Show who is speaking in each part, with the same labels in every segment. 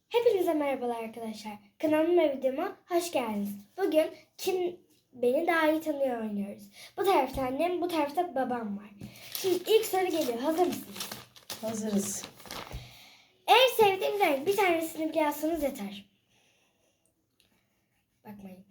Speaker 1: Hepinize merhabalar arkadaşlar. Kanalıma ve videoma hoş geldiniz. Bugün Kim Beni Daha iyi Tanıyor oynuyoruz. Bu tarafta annem, bu tarafta babam var. Şimdi ilk soru geliyor. Hazır mısınız?
Speaker 2: Hazırız.
Speaker 1: En sevdiğim renk, bir tanesini bile yazsanız yeter. Bakmayın.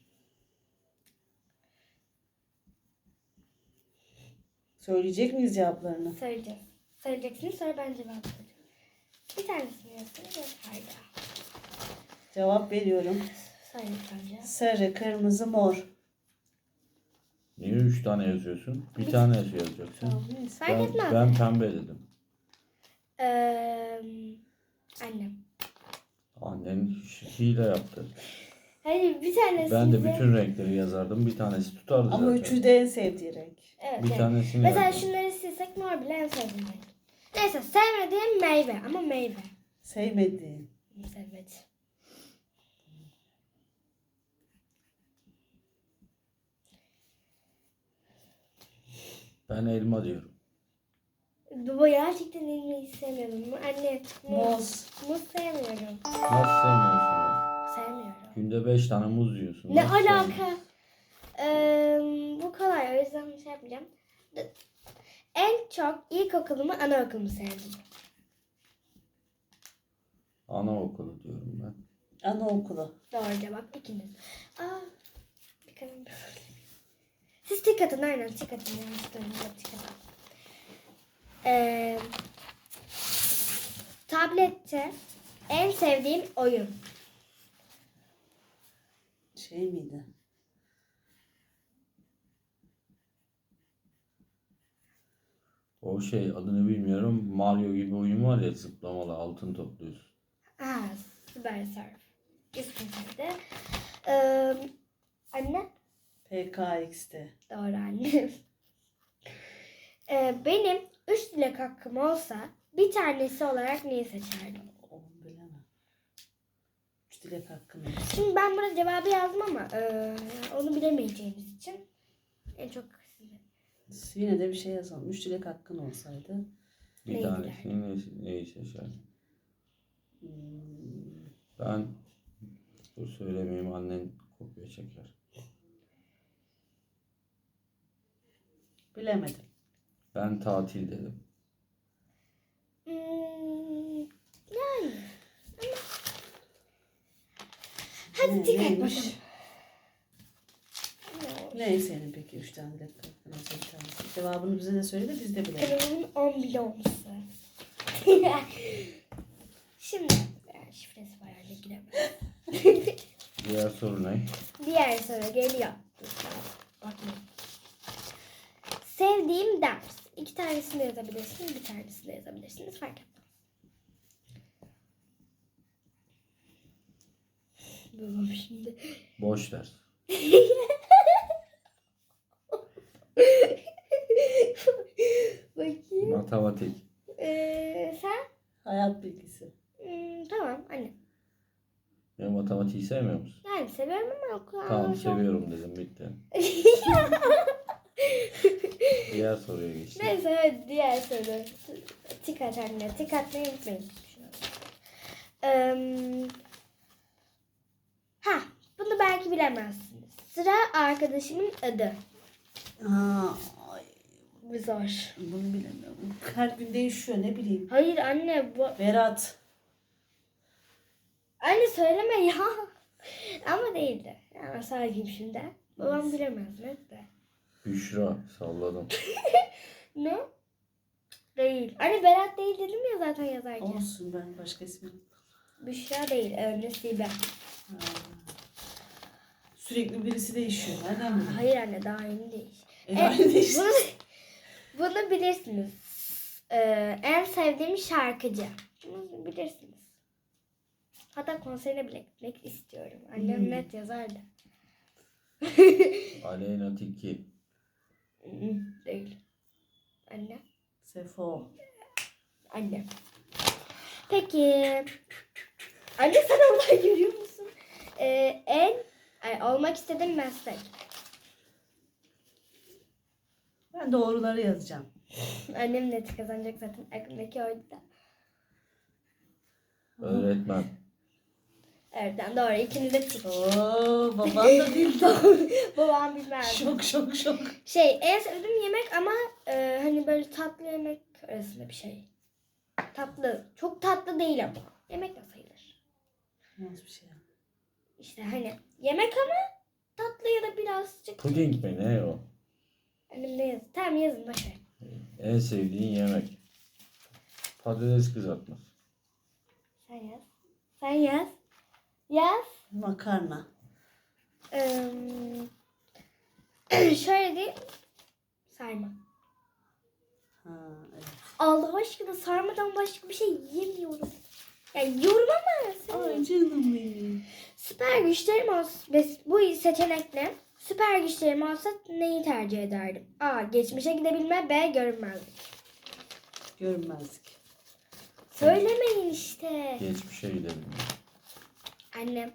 Speaker 2: Söyleyecek miyiz cevaplarını?
Speaker 1: Söyleyeceğiz. Söyleyeceksiniz, sonra ben cevap vereceğim. Bir tanesini yazsanız yeter ya.
Speaker 2: Cevap veriyorum.
Speaker 1: Söyle önce.
Speaker 2: Sarı, kırmızı, mor.
Speaker 3: Niye 3 tane yazıyorsun? Bir tane yazacaksın.
Speaker 2: Tamam, neyse.
Speaker 1: Fark etmez.
Speaker 3: Ben pembe dedim.
Speaker 1: Annem.
Speaker 3: Annen hile yaptı.
Speaker 1: Hayır, bir tanesi
Speaker 3: Ben de bütün renkleri yazardım. Bir tanesi tutardı
Speaker 2: Ama
Speaker 3: zaten.
Speaker 2: üçü de en sevdiği renk.
Speaker 1: Evet,
Speaker 3: Bir
Speaker 1: evet.
Speaker 3: tanesini
Speaker 1: Mesela
Speaker 3: yazdım.
Speaker 1: şunları silsek mor bile en sevdiğim renk. Neyse, sevmediğim meyve ama meyve.
Speaker 2: Sevmediğin.
Speaker 1: Sevmedi.
Speaker 3: Ben elma diyorum.
Speaker 1: Bu gerçekten elmayı sevmiyorum. Anne,
Speaker 2: Muz.
Speaker 1: Muz sevmiyorum.
Speaker 3: Nasıl sevmiyorsun?
Speaker 1: Sevmiyorum.
Speaker 3: Günde 5 tane muz yiyorsun.
Speaker 1: Ne
Speaker 3: Nasıl sevmiyorsun?
Speaker 1: alaka? Bu kolay, o yüzden bir şey yapmayacağım. En çok ilkokulumu, anaokulumu sevdim.
Speaker 3: Anaokulu diyorum ben.
Speaker 2: Anaokulu.
Speaker 1: Doğru cevap ikiniz. Bir kalem. Siz tik atın, aynen tik atın. Yanlışlıkla tik atın. Tablette en sevdiğim oyun.
Speaker 2: Şey miydi?
Speaker 3: O şey adını bilmiyorum. Mario gibi oyun var ya, zıplamalı altın topluyorsun.
Speaker 1: Süper Surf. İsmiydi. Anne.
Speaker 2: PKX'te.
Speaker 1: Doğru anne. Benim 3 dilek hakkım olsa bir tanesi olarak neyi seçerdim?
Speaker 2: Onu bilemem. Üç dilek hakkım var.
Speaker 1: Şimdi ben burada cevabı yazdım ama onu bilemeyeceğimiz için en çok size.
Speaker 2: Yine de bir şey yazalım. Üç dilek hakkın olsaydı.
Speaker 3: Bir
Speaker 1: Neydi
Speaker 3: tanesini neyi seçerdim? Ben dur söylemeyeyim, annen kopya çeker.
Speaker 2: Bilemedim.
Speaker 3: Ben tatil dedim.
Speaker 1: Yani. Hadi tik at
Speaker 2: Neymiş?
Speaker 1: bakalım.
Speaker 2: Ne senin peki üç tane dilek hakkın olsaydı? Bir tanesi? Cevabını bize de söyle de biz de bilelim.
Speaker 1: Kanalımın 10 bile olması. Şimdi şifresi var, öyle giremem.
Speaker 3: Diğer soru ne?
Speaker 1: Diğer soru geliyor. Bakmayın. Sevdiğim ders. 2 tanesini yazabilirsiniz, bir tanesini yazabilirsiniz. Fark etmez. Babam şimdi.
Speaker 3: Boş ders.
Speaker 1: Bakayım.
Speaker 3: Matematik.
Speaker 1: Sen?
Speaker 2: Hayat bilgisi.
Speaker 1: Tamam anne.
Speaker 3: Ya matematiği sevmiyor musun?
Speaker 1: Yani seviyorum ama o kadar
Speaker 3: Tamam,
Speaker 1: çok-
Speaker 3: seviyorum dedim, bitti. Diğer soruya geçtim.
Speaker 1: Neyse, hadi diğer soru. Tik at anne. Tik atmayı unutmayın. Bunu belki bilemezsiniz. Sıra arkadaşımın adı.
Speaker 2: Ay,
Speaker 1: Bu zor.
Speaker 2: bunu bilemiyorum. Her gün değişiyor, ne bileyim.
Speaker 1: Hayır anne, bu...
Speaker 2: Berat.
Speaker 1: Anne söyleme ya. Ama değildi. Ama söyleyeyim şimdi. Babam bilemez mi? De.
Speaker 3: Büşra, salladım.
Speaker 1: Ne? Değil. Anne Berat değil dedim ya zaten yazarken.
Speaker 2: Olsun, ben başka ismi.
Speaker 1: Büşra değil. Nesibe.
Speaker 2: Ha. Sürekli birisi değişiyor. Nereden bileyim?
Speaker 1: Hayır anne, daha yeni değil.
Speaker 2: Aynı değişti.
Speaker 1: Bunu bilirsiniz. En sevdiğim şarkıcı. Bunu bilirsiniz. Hatta konserine bile gitmek istiyorum. Annem net yazardı.
Speaker 3: Aleyna Tilki.
Speaker 1: Değil. Anne.
Speaker 2: Sefo.
Speaker 1: Anne. Peki. Anne, sen oradan görüyor musun? Olmak istediğim meslek.
Speaker 2: Ben doğruları yazacağım.
Speaker 1: Annem net kazanacak zaten. Aklımdaki oydu da.
Speaker 3: Öğretmen.
Speaker 1: Evet doğru. İkiniz de tik.
Speaker 2: Oo, baban da bildi.
Speaker 1: Babam bilmez.
Speaker 2: Şok.
Speaker 1: En sevdiğim yemek ama hani böyle tatlı yemek arasında bir şey. Tatlı. Çok tatlı değil ama. Yemek de sayılır.
Speaker 2: Nasıl bir şey ya?
Speaker 1: İşte hani yemek ama tatlı ya da birazcık.
Speaker 3: Puding mi ne o?
Speaker 1: Elimde yazın. Tamam yazın boşver.
Speaker 3: En sevdiğin yemek. Patates kızartması.
Speaker 1: Sen yaz. Sen yaz. Yaz.
Speaker 2: Makarna.
Speaker 1: Şöyle diyeyim. Sarma.
Speaker 2: Ha, evet.
Speaker 1: Allah aşkına sarmadan başka bir şey yemiyorum. Yani yiyorum ama
Speaker 2: Ay canım benim.
Speaker 1: süper güçlerim olsa bu seçenekle süper güçlerim olsa neyi tercih ederdim? A. Geçmişe gidebilme. B. Görünmezlik.
Speaker 2: Görünmezlik.
Speaker 1: Söylemeyin işte.
Speaker 3: Geçmişe gidelim.
Speaker 1: Annem.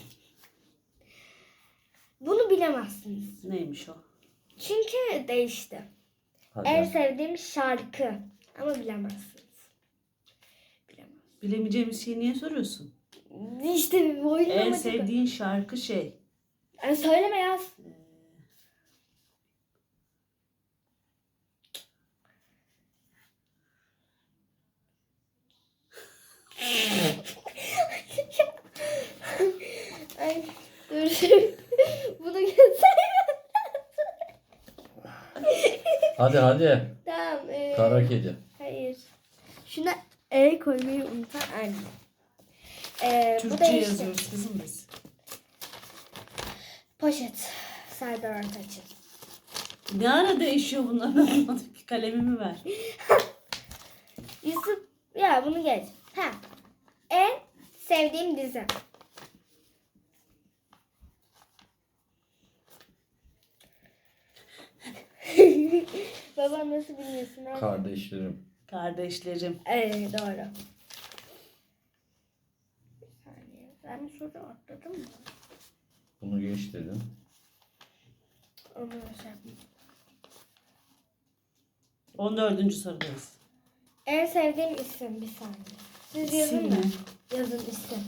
Speaker 1: Bunu bilemezsiniz.
Speaker 2: Neymiş o?
Speaker 1: Çünkü değişti.
Speaker 3: Hadi.
Speaker 1: En sevdiğim şarkı. Ama bilemezsiniz.
Speaker 2: Bilemeyeceğimiz şeyi niye soruyorsun?
Speaker 1: İşte bu oyunun
Speaker 2: En
Speaker 1: amacı bu.
Speaker 2: sevdiğin şarkı şey.
Speaker 1: Yani söyleme yaz. Ay dur. Bunu göstereyim.
Speaker 3: Hadi.
Speaker 1: Tamam.
Speaker 3: Kara kedi.
Speaker 1: Hayır. Şuna koymayı unutan anne. Bu
Speaker 2: Türkçe
Speaker 1: değişti.
Speaker 2: yazıyoruz kızım biz.
Speaker 1: Poşet. Serdar Ortaç'ın.
Speaker 2: Ne ara değişiyor bunlar anlamadım ki. Kalemimi ver.
Speaker 1: Yusuf ya bunu geç. Ha. En sevdiğim dizi. Babam nasıl bilmiyorsun?
Speaker 3: Kardeşlerim.
Speaker 2: Kardeşlerim.
Speaker 1: Doğru. Bir saniye. Ben bir soru atladım mı?
Speaker 3: Bunu geç dedim.
Speaker 1: Onu şey yapayım.
Speaker 2: 14. sorudayız.
Speaker 1: En sevdiğim isim bir saniye. Siz yazın
Speaker 2: İsim
Speaker 1: mı?
Speaker 2: mi?
Speaker 1: Yazın isim.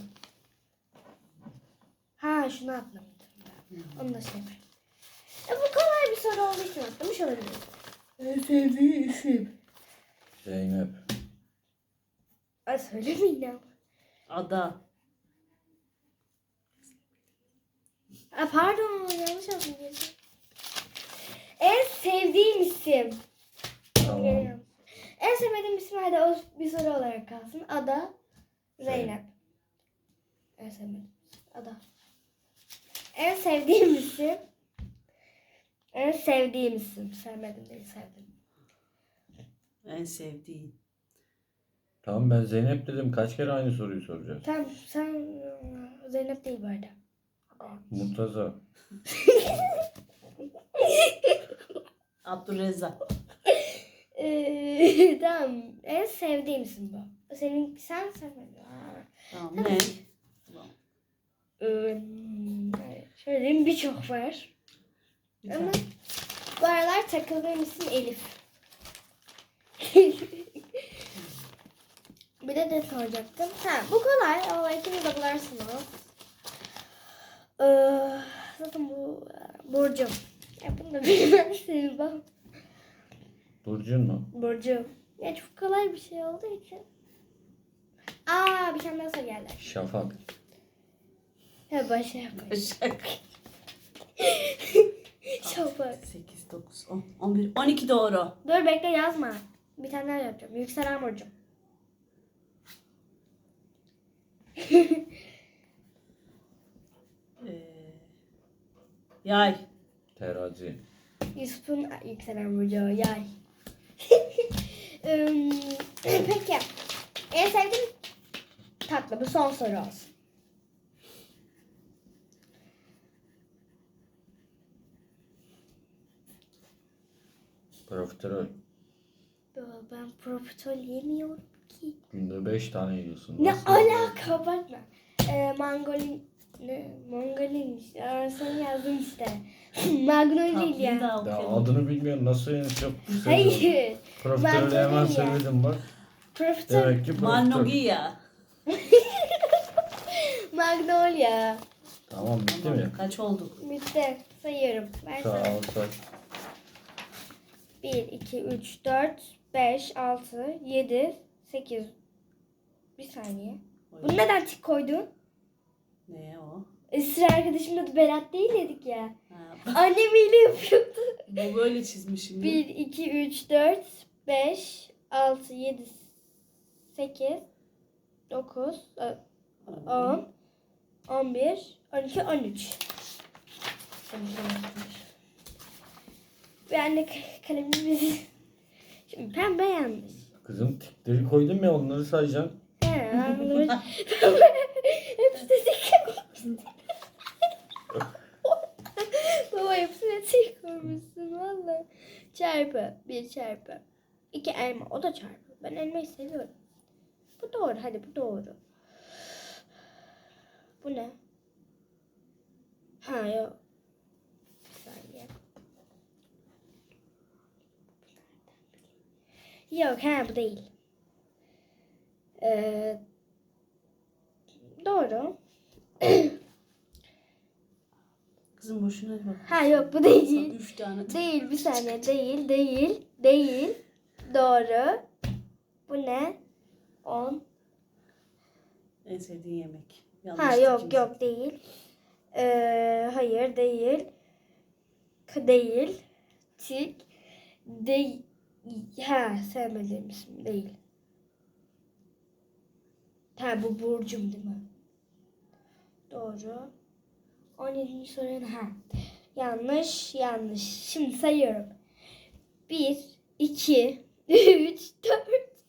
Speaker 1: Ha şunu atlamıştım ben. Onu da şey yapayım. Bu kolay bir soru olduğu için atlamış olabilirim.
Speaker 2: En sevdiği isim.
Speaker 3: Zeynep.
Speaker 1: Ay söylemeyin ama.
Speaker 2: Ada.
Speaker 1: Pardon yanlış yazdım. En sevdiğim isim.
Speaker 3: Tamam.
Speaker 1: Geliyorum. En sevmediğim isim hadi o bir soru olarak kalsın. Ada. Zeynep. En sevmediğim Ada. En sevdiğim isim. En sevdiğim isim. Sevmedim değil sevdim.
Speaker 2: En sevdiğin.
Speaker 3: Tamam ben Zeynep dedim. Kaç kere aynı soruyu soracağız?
Speaker 1: Tamam sen Zeynep değil bu arada.
Speaker 3: Murtaza.
Speaker 2: Abdurrezzak.
Speaker 1: Tamam. En sevdiğim isim bu. Sen sevmedin.
Speaker 2: Tamam ne?
Speaker 1: Şöyle diyeyim birçok var.
Speaker 2: Bir
Speaker 1: Ama
Speaker 2: tane.
Speaker 1: bu aralar takıldığım isim Elif. Bir de ne soracaktım? Ha, bu kolay ama ikiniz de bularsınız. Zaten bu Burcu. Ya bunu da bilmezsiniz bak.
Speaker 3: Burcun mu?
Speaker 1: Burcu. Ya çok kolay bir şey olduğu için. Bir tane daha soru geldi.
Speaker 3: Şafak.
Speaker 1: Ha başa yapayım.
Speaker 2: Başak.
Speaker 1: Şafak.
Speaker 2: 8, 9, 10, 11, 12 doğru.
Speaker 1: Dur bekle yazma. Bir tane daha yapacağım. Yükselen Burcu.
Speaker 2: Yay.
Speaker 3: Terazi.
Speaker 1: Yusuf'un yükselen Burcu. Yay. Peki. En sevdiğim tatlı. Bu son soru olsun.
Speaker 3: Profiterol.
Speaker 1: Ben profiterol yemiyorum ki.
Speaker 3: Günde 5 tane yiyorsun.
Speaker 1: Ne
Speaker 3: Nasıl?
Speaker 1: alaka bakma. Mangolinmiş. Sen yazdın işte. Magnolia.
Speaker 2: Tatlıyı da
Speaker 3: Ya
Speaker 2: okuyalım.
Speaker 3: adını bilmiyorsun. Nasıl yani çok seviyorum.
Speaker 1: Hayır.
Speaker 3: Profiterolü hemen
Speaker 1: Magnolia.
Speaker 3: söyledim bak.
Speaker 1: Profiterol.
Speaker 3: Demek ki profiterol.
Speaker 2: Malnogia.
Speaker 1: Magnolia.
Speaker 3: Tamam bitti
Speaker 2: Tamam.
Speaker 3: mi?
Speaker 2: Kaç olduk?
Speaker 1: Bitti. Sayıyorum.
Speaker 3: Sağ
Speaker 1: Versene.
Speaker 3: ol say.
Speaker 1: 1, 2, 3, 4, 5, 6, 7, 8. Bir saniye. Bunu neden tik koydun?
Speaker 2: Ne o?
Speaker 1: Sıra arkadaşımın adı Berat değil dedik ya.
Speaker 2: Ha,
Speaker 1: Annem hile yapıyordu.
Speaker 2: bu böyle çizmişim.
Speaker 1: 1, 2, 3, 4, 5, 6, 7, 8, 9, 10, 11, 12, 13. Ben de kalemimizi... Şimdi pembe yanlış.
Speaker 3: Kızım tikleri koydum ya onları sayacaksın.
Speaker 1: He, ben bunu... Hepsi de tik koymuşsun. Baba hepsine tik koymuşsun valla. Çarpı. 1 çarpı. 2 elma. O da çarpı. Ben elmayı seviyorum. Bu doğru. Hadi bu doğru. Bu ne? Ha yok. Bir saniye. Yok ha bu değil. Doğru.
Speaker 2: Kızım boşuna bak.
Speaker 1: Ha yok bu değil.
Speaker 2: 3 tane.
Speaker 1: Değil bir saniye değil. Doğru. Bu ne? 10.
Speaker 2: En sevdiğin yemek.
Speaker 1: Ha yok değil. Hayır değil. Değil. Tik. Değil. Ha sevmediğim isim değil. Ha bu Burcum değil mi? Doğru. 17. soru ha. Yanlış. Şimdi sayıyorum. 1, 2, 3, 4.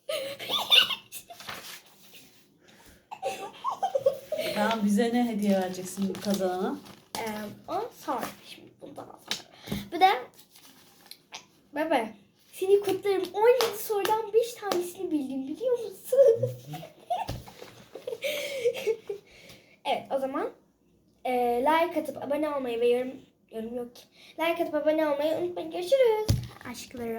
Speaker 2: Tamam, bize ne hediye vereceksin kazanana?
Speaker 1: O sonra. Şimdi bundan sonra. Bu da baba. Seni kutlarım. 17 sorudan 5 tanesini bildim biliyor musun? Evet o zaman like atıp abone olmayı ve yorum yok ki. Like atıp abone olmayı unutmayın. Görüşürüz. Aşklarım.